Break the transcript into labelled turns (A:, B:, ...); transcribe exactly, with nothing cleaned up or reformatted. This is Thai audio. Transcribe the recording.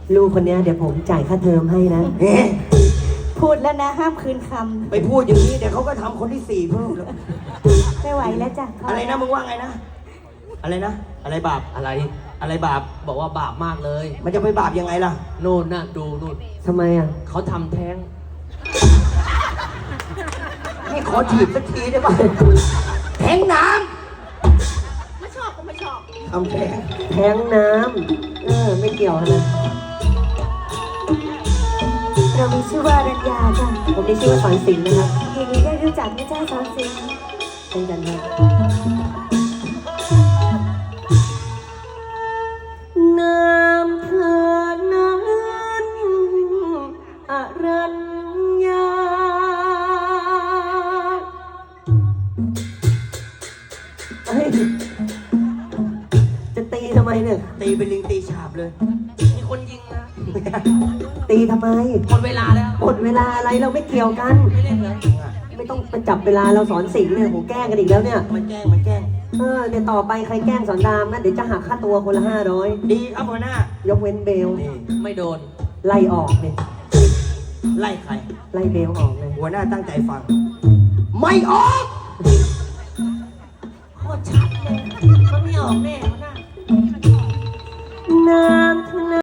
A: ลูกคนนี้เดี๋ยวผมจ่ายค่าเทอมให้นะ
B: เอ๊ะ
C: พูดแล้วนะห้ามคืนค
B: ไปพูดอย่างนี้เดี๋ยวเขาก็ทำคนที่สี่เพิ่มแล้ว
C: ำไม่ไหวแล้วจ้ะ
B: อะไรนะมึงว่าไงนะอะไรนะอะไรบาป
D: อะไร
B: อะไรบาป
D: บอกว่าบาปมากเลย
B: มันจะไปบาปยังไงล่ะ
D: นู่นน่ะดูนู่น
A: ทำไมอ่ะ
D: เขาทำแท้ง
B: นี่ขอถีบสักทีได้ป่ะแทงน้
C: ไม่ชอบก็ไม่ชอบ
B: ำทำแทง
A: แทงน้ำเออไม่เกี่ยวนะ
C: เรามีชื่อว่ารัญญาจ้ะ
A: ผมได้ชื่อว่าสอนสิงห์นะครับ
C: ยินดีได้รู้จักนะจ้าสอนสิงห์
A: เช่นกันครับน้ำเธอนั้นอรัญญาเฮ้ยจะตีทำไมเนี่ย
B: ตีเป็นลิงตีฉาบเลย
D: มีคนยิงนะ
A: ตีทำไม
D: หมดเวลาแล้ว
A: หมดเวลาอะไรเราไม่เกี่ยวกัน
D: ไม่เล่นเลย
A: ไม่ต้องไปจับเวลาเราสอนสิงห์เนี่ยผมแกล้งกันอีกแล้วเนี่ย
B: มันแกล้งมันแกล้ง
A: เออเดี๋ยวต่อไปใครแกล้งสอนรามนะเดี๋ยวจะหักค่าตัวคนละห้าร้อย
B: ดีครับหัวหน้าย
A: กเว้นเบล
B: นี่
D: ไม่โดน
A: ไล่ออกเนี่ย
B: ไล่ใคร
A: ไล่เบลออกเลย
B: หัวหน้าตั้งใจฟัง ไม่ออก
C: โคตรชัดเลยมันไม่ออกแน่หัวหน้า
A: น้